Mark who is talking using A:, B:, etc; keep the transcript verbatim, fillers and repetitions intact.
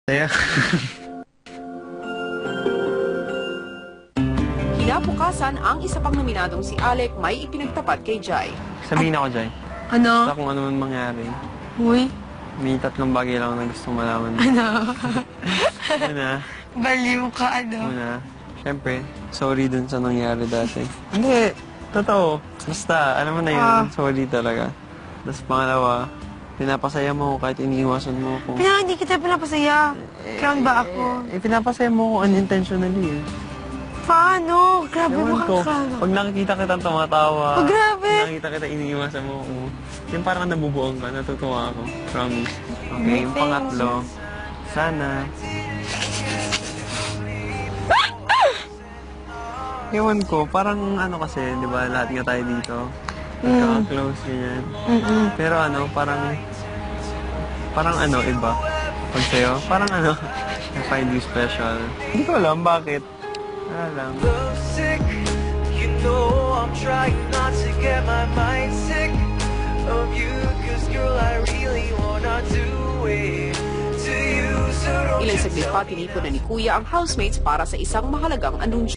A: Saya.
B: Kinabukasan, ang isa pang nominadong si Alec may ipinagtapat kay Jai.
A: Sabihin ako, Jai.
C: Ano?
A: Basta kung ano man mangyari.
C: Uy.
A: May tatlong bagay lang na gustong malaman.
C: Ano?
A: Una.
C: Baliw ka, ano?
A: Una. Siyempre, sorry dun sa nangyari dati. Hindi. Totoo. Basta, alam mo na yun.
C: Ah.
A: Sorry talaga. Tapos pangalawa, pinapasaya mo ako kahit iniiwasan mo ako.
C: Kaya hindi kita pinapasaya. Clown ba ako?
A: Eh, pinapasaya mo ako unintentionally eh.
C: Paano? Grabe mo
A: Ewan ko,
C: kang
A: pag nakikita kita tumatawa,
C: Oh, grabe.
A: pag nakikita kita iniiwasan mo ako, yung parang nabubuong ka, natutuwa ako. Promise. Okay, yung pangatlo, sana. Ewan ko, parang ano kasi, di ba, lahat nga tayo dito. Nagkaka-close, ganyan.
C: Mm-mm.
A: Pero ano, parang, parang ano, iba. Pag sa'yo, parang ano, I find you special. Hindi ko alam bakit. Wala lang.
D: Sick, you know I'm trying not to get my mind sick of you, cause girl I really wanna do it to you, so don't
B: Ilang
D: you
B: saglit
D: tell
B: pa,
D: me
B: tinipon na ni Kuya ang housemates para sa isang mahalagang anunsyo.